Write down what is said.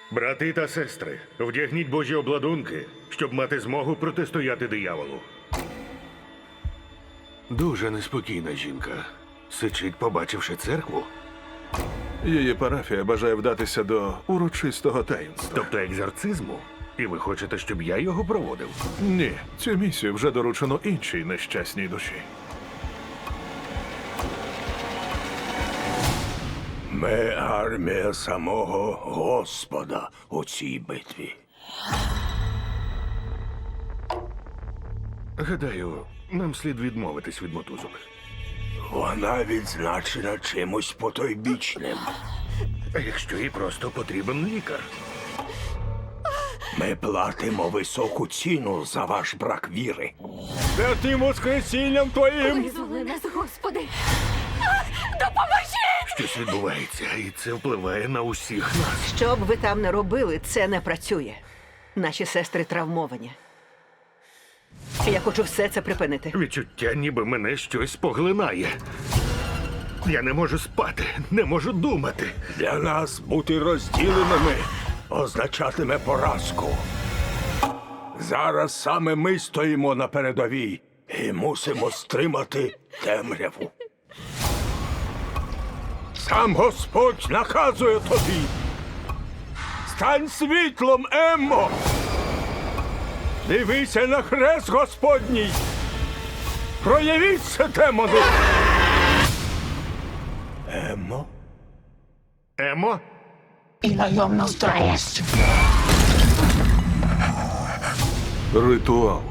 Брати та сестри, вдягніть божі обладунки, щоб мати змогу протистояти дияволу. Дуже неспокійна жінка. Сичить, побачивши церкву. Її парафія бажає вдатися до урочистого таїнства. Тобто екзорцизму? І ви хочете, щоб я його проводив? Ні, цю місію вже доручено іншій нещасній душі. Ми армія самого Господа у цій битві. Гадаю, нам слід відмовитись від мотузок. Вона відзначена чимось потойбічним. А якщо їй просто потрібен лікар? Ми платимо високу ціну за ваш брак віри. Святим воскресінням твоїм! Визволи нас, Господи! Допоможи! Щось відбувається, і це впливає на усіх нас. Що б ви там не робили, це не працює. Наші сестри травмовані. Я хочу все це припинити. Відчуття, ніби мене щось поглинає. Я не можу спати, не можу думати. Для нас бути розділеними означатиме поразку. Зараз саме ми стоїмо на передовій і мусимо стримати темряву. Сам Господь наказує тобі. Стань світлом, Еммо! Дивися на хрест Господній! Проявіться, демони! Еммо? Емо? y lo nos traes. Ритуал.